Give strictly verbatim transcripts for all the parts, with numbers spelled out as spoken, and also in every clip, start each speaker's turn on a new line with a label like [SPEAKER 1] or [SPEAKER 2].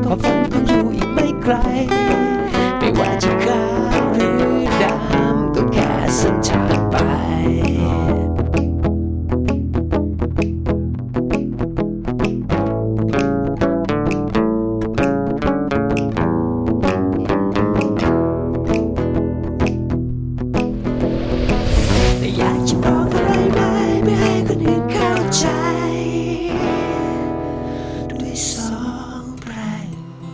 [SPEAKER 1] ความฝันคงอยู่อีกไม่ไกลไม่ว่าจะขาวหรือดำก็แค่เส้นทางไปแต่อยากจะบอกอะไรไปไม่ให้คนอื่นเข้าใจด้วยสองเพลง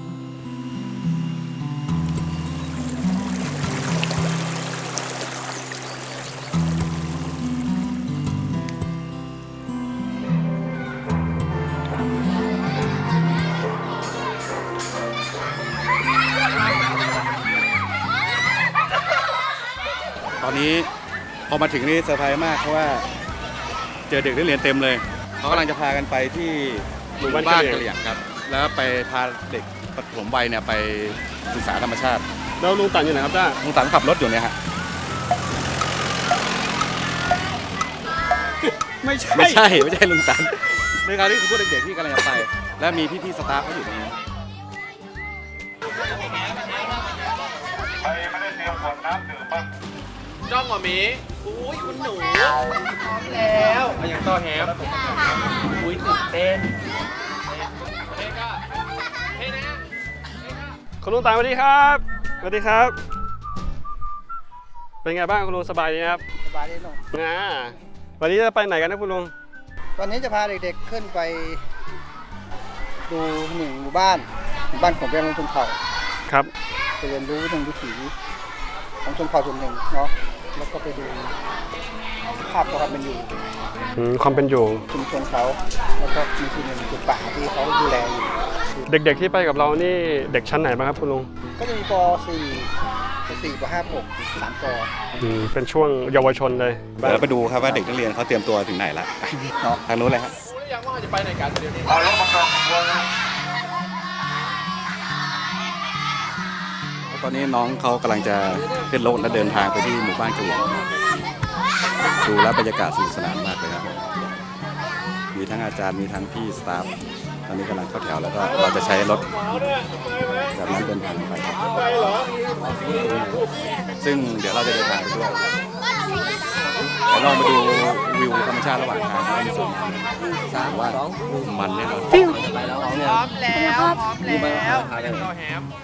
[SPEAKER 2] ตอนนี้พอมาถึงนี่เซอร์ไพรส์มากเพราะว่าเจอเด็กนักเรียนเต็มเลยเขากำลังจะพากันไปที่หมู่บ้านกะเหรี่ยงครับแล้วไปพาเด็กปฐมวัยเนี่ยไปศึกษาธรรมชาติแล้วลุงตันอยู่ไหนครับจ้าลุงตันขับรถอยู่เนี่ยฮะไม่ใช่ไม่ใช่ไม่ใช่ลุงตันในการที่คือพวกเด็กๆที่กำลังจะไปและมีพี่ๆสตาฟเขาอยู่ตรงนี้
[SPEAKER 3] ใครไม่ได้เตรียมขวดน้ำดื่มบ้าง
[SPEAKER 4] จ้องหัวหมีอุ้ยคุณหนูพร้อมแล้วเอาอย่างต่อแฮมอุ้ยตื่นเต้นเฮ้ก็เฮ้นะ
[SPEAKER 5] คุณลุงตามสวัสดีครับสวัสดีครับเป็นไงบ้างคุณลุงสบายดีครับ
[SPEAKER 6] สบายดีลุง
[SPEAKER 5] นะวันนี้จะไปไหนกันนะคุณลุง
[SPEAKER 6] วันนี้จะพาเด็กๆขึ้นไปดูหนึ่งหมู่บ้านหมู่บ้านของแม่ชนเผ่า
[SPEAKER 5] ครับ
[SPEAKER 6] ไปเรียนรู้เรื่องวิถีของชนเผ่าส่วนหนึ่งเนาะแล้วก็ไปดูภาพความเป็นอยู่
[SPEAKER 5] ความเป็นอยู่
[SPEAKER 6] ชุมชนเขาแล้วก็มีที่หนึ่งคือป่าที่เขาดูแลอยู่
[SPEAKER 5] เด็กๆที่ไปกับเรานี่เด็กชั้นไหนบ้างครับคุณลุง
[SPEAKER 6] ก็จะมีป .สี่ ป .สี่ ป .ห้า ป .สาม ป.
[SPEAKER 5] เป็นช่วงเยาวชนเลย
[SPEAKER 2] เดี๋ยวไปดูครับว่าเด็กนักเรียนเขาเตรียมตัวถึงไหนละทางนู้นเลยครับ
[SPEAKER 4] รู้หรือยังว่าจะไปไหนกันเดี๋ยวนี้
[SPEAKER 3] เอาแล้วมาก่อนวัวนะ
[SPEAKER 2] ตอนนี้น้องเขากำลังจะขึ้นรถและเดินทางไปที่หมู่บ้านกะเหรี่ยงดูแล้วบรรยากาศสนุกสนานมากเลยครับมีทั้งอาจารย์มีทั้งพี่สตาฟตอนนี้กำลังเข้าแถวแล้วก็เราจะใช้รถแบบนั้นเดินทางไปซึ่งเดี๋ยวเราจะเดินทางไปด้วยเดี๋ยวเรามาดูวิวธรรมชาติระหว่างทางครับสามว่ามันแน่นอน
[SPEAKER 4] พร้อมแล้วพร้อมแล้วพร้อมแล้วอย่างต่อแฮม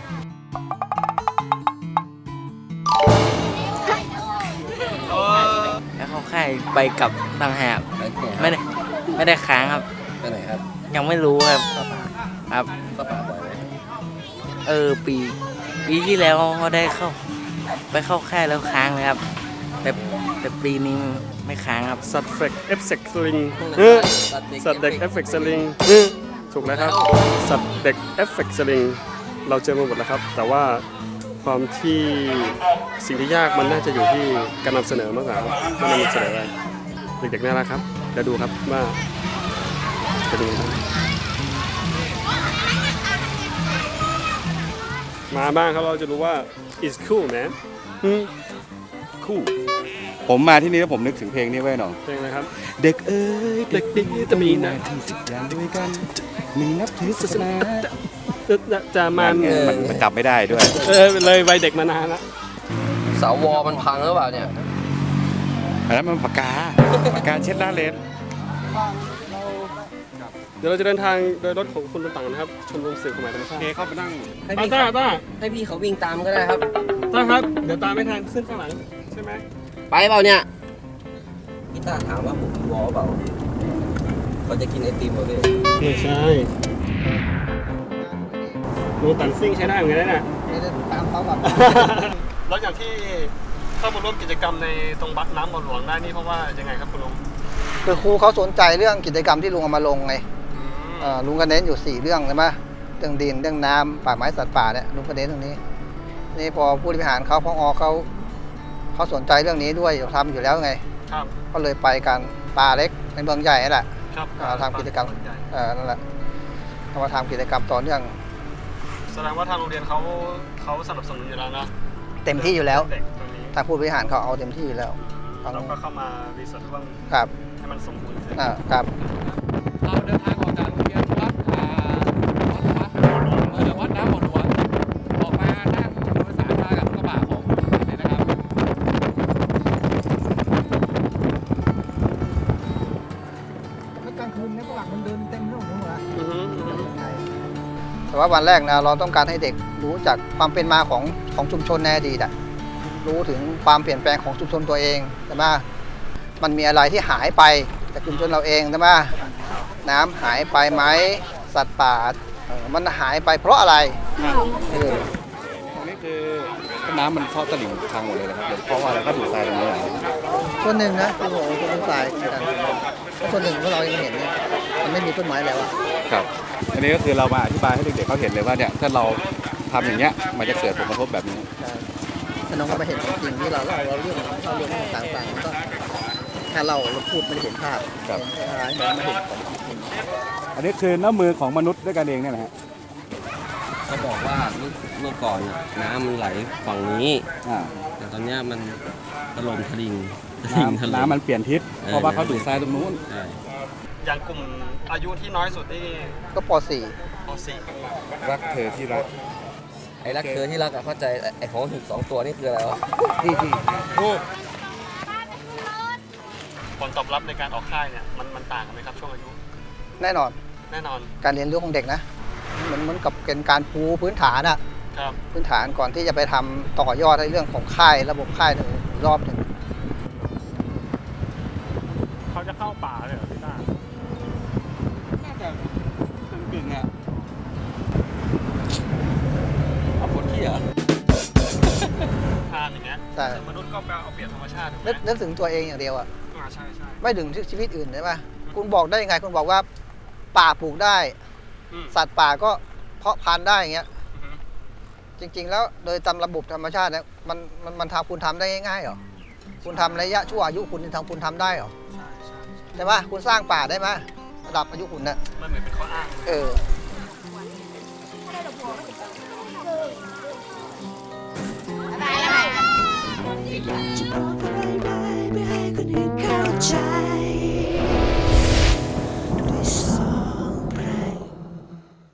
[SPEAKER 7] แล้วเขาค่ายไปกับต่างหากไม่ได้ไม่ได้ค้างครับ
[SPEAKER 6] ไปไหนครับ
[SPEAKER 7] ยังไม่รู้ครับครับ
[SPEAKER 6] ก็ป่าบ่อยเลย
[SPEAKER 7] เออปีปีที่แล้วเขาได้เข้าไปเข้าค่ายแล้วค้างเลยครับแต่แต่ปีนี้ไม่ค้างครับ
[SPEAKER 5] สัตว์เฟกเอฟเฟกต์สลิงสัตว์เด็กเอฟเฟกต์สลิงถูกแล้วครับสัตว์เด็กเอฟเฟกต์สลิงเราเจอมาหมดแล้วครับแต่ว่าความที่สิ่งที่ยากมันน่าจะอยู่ที่การนำเสนอมากกว่าการนำเสนออะไรเด็กๆน่ารักครับเดี๋ยวดูครับว่าจะดูมาบ้างครับเราจะรู้ว่า it's cool man
[SPEAKER 2] คู่ผมมาที่นี่แล้วผมนึกถึงเพลงนี้ไว้หน่อย
[SPEAKER 5] เพลงอะไรครับ
[SPEAKER 2] เด็กเอ้ย
[SPEAKER 5] เด็กดีจะมีหน้า
[SPEAKER 2] ที่จิตใจด้วยกันหนึ่งนับถือศาสนา
[SPEAKER 5] จะมัน
[SPEAKER 2] มันจับไม่ได้ด้วย
[SPEAKER 5] เออเลยวัยเด็กมานานแล้ว
[SPEAKER 4] เสาวอมันพังหรือเปล่าเนี่ย
[SPEAKER 2] อันนั้นมันปากกาปากกาเช็ดหน้าเลน
[SPEAKER 5] เดี๋ยวเราจะเดินทางโดยรถของคุณต่างๆนะครับชมรมสื่อความหมายธรรมชาติ
[SPEAKER 2] เข้าไปนั่ง
[SPEAKER 5] ต้าต้า
[SPEAKER 4] ให้พี่เขาวิ่งตามก็ได้ครับ
[SPEAKER 5] ต้าครับเดี๋ยวตามไม่ทันขึ้นข้างหลังใช่ไหม
[SPEAKER 4] ไปเปล่าเนี่ย
[SPEAKER 6] พี่ต้าถามว่าผมวอเปล่าเขาจะกินไอติมเหรอพี่
[SPEAKER 5] ไม่ใช่ดูตันซิ่งใช้ได้เหมือนกันนะ
[SPEAKER 6] ไม่ได้ตามเขาแบบ
[SPEAKER 5] แล้วอย่างที่เข้ามาร่วมกิจกรรมในตรงบัดน้ำบ่อหลวงได้นี่เพราะว่ายังไงครับคุณลุง
[SPEAKER 6] คือครูเขาสนใจเรื่องกิจกรรมที่ลุงเอามาลงไงลุงก็เน้นอยู่สี่เรื่องใช่ไหมเรื่องดินเรื่องน้ำป่าไม้สัตว์ป่าเนี่ยลุงก็เน้นตรงนี้นี่พอผู้บริหารเขาพอเขาเขาสนใจเรื่องนี้ด้วยทำอยู่แล้วไงก็เลยไปกันป่าเล็กในเมืองใหญ่นั่นแหละทำกิจกรรมนั่นแหละเขามาทำกิจกรรมต่อเนื่อง
[SPEAKER 5] แสดงว่าทางโรงเรียนเขาเขาสนับสนุนอยู่แล้วนะ
[SPEAKER 6] เต็มที่อยู่แล้วทางผู้บริหารเขาเอาเต็มที่อยู่แล้ว
[SPEAKER 5] เราก็เข้ามารีเสิร์ชว่าให้มันสมบูรณ์
[SPEAKER 6] อ่าครับ
[SPEAKER 4] เราเดินทางออกจากโรงเรียนวัดอ่าวัดวัด
[SPEAKER 6] ว่าวันแรกนะเราต้องการให้เด็กรู้จักความเป็นมาของของชุมชนในอดีตอะรู้ถึงความเปลี่ยนแปลงของชุมชนตัวเองใช่ไหมมันมีอะไรที่หายไปจากชุมชนเราเองใช่ไหมน้ำหายไปไหมสัตว์ป่าเอ่อมันหายไปเพราะอะไรเออ
[SPEAKER 2] ตรงนี้คือน้ำมันเข้าตลิ่งทางหมดเลยนะครับเดี๋ยวเพราะว่าอะไรก็ดูดทรายตรงนี้แหละ
[SPEAKER 6] ส่วนหนึ่งนะคือผมคนเป็นสายเหมือนกันเพราะส่วนหนึ่งที่เรายังเห็นเนี่ยมันไม่มีต้นไม้แล้วอะ
[SPEAKER 2] ครับอันนี้ก็คือเรามาอธิบายให้เด็กๆเขาเห็นเลยว่าเนี่ยถ้าเราทำอย่างเงี้ยมันจะเกิดผลกระทบแบบนี้
[SPEAKER 6] ถ้าน้องก็มาเห็นของจริงที่เราเล่าเราเรื่องเราเรื่องต่างๆมันก็ถ้าเราเราพูดไม่ได้เห็นภาพ
[SPEAKER 2] ครับ
[SPEAKER 6] เห็นอะไรมันไม่เห็นของจริง
[SPEAKER 2] อันนี้คือน้ำมือของมนุษย์ด้วยกันเองเนี่ยนะฮะ
[SPEAKER 8] เขาบอกว่าเมื่อเมื่อก่อนน่ะน้ำมันไหลฝั่งนี้
[SPEAKER 2] อ่า
[SPEAKER 8] แต่ตอนเนี้ยมันถล่มทลิงตลิ่งถ
[SPEAKER 2] น้ำ
[SPEAKER 8] ล่ม
[SPEAKER 2] น้ำมันเปลี่ยนทิศ
[SPEAKER 8] เออ
[SPEAKER 2] เพราะว่าเขาดูดทรายตรงนู้น
[SPEAKER 8] ใช่
[SPEAKER 5] อย่างกลุ่มอายุที่น้อยสุดนี่
[SPEAKER 6] ก็ป .สี่
[SPEAKER 5] ป .สี่
[SPEAKER 2] รักเธอที่รัก
[SPEAKER 8] ไอ้รักเธอที่รักอะเข้าใจไอ้ของหิบสองตัวนี่คืออะไรวะ
[SPEAKER 6] ที่ที่
[SPEAKER 5] ผลตอบรับในการออกค่ายเนี่ยมันมันต่างกันไหมครับช่วงอายุ
[SPEAKER 6] แน่นอน
[SPEAKER 5] แน่นอน
[SPEAKER 6] การเรียนรู้ของเด็กนะเหมือนเหมือนกับเป็นการปูพื้นฐานอะ
[SPEAKER 5] ครับ
[SPEAKER 6] พื้นฐานก่อนที่จะไปทำต่อยอดในเรื่องของค่ายระบบค่ายหนึ่งรอบหนึ่ง
[SPEAKER 5] เขาจะเข้าป่าเลยเหรอพี่ต้า
[SPEAKER 2] น่าจะกึ่งๆอ่ะเอาปวดขี้เหรอ
[SPEAKER 5] ทานอย่างเงี้ย
[SPEAKER 6] ใช่
[SPEAKER 5] มนุษย์ก็ไปเอาเปรียบธรรมชาติถูกไหม
[SPEAKER 6] นึกนึกถึงตัวเองอย่างเดียวอะ
[SPEAKER 5] อ่าใช่ใช่
[SPEAKER 6] ไม่ถึงชีวิตอื่นใช่ไหมคุณบอกได้ยังไงคุณบอกว่าป่าปลูกได้
[SPEAKER 5] อืม
[SPEAKER 6] สัตว์ป่าก็เพาะพันธุ์ได้อย่างเงี้ย
[SPEAKER 5] อือฮึ
[SPEAKER 6] จริง ๆ แล้วโดยตามระบบธรรมชาติเนี่ยมันมันมันทำคุณทำได้ง่ายๆเหรอคุณทำระยะชั่วอายุคุณทำคุณทำได้เหรอ
[SPEAKER 5] ใช่ใช่
[SPEAKER 6] ใช่ไหมคุณสร้างป่าได้ไหมระดับอายุคุณน่ะ
[SPEAKER 5] มันเหมือนเป็นข้ออ้างเลย
[SPEAKER 6] เออ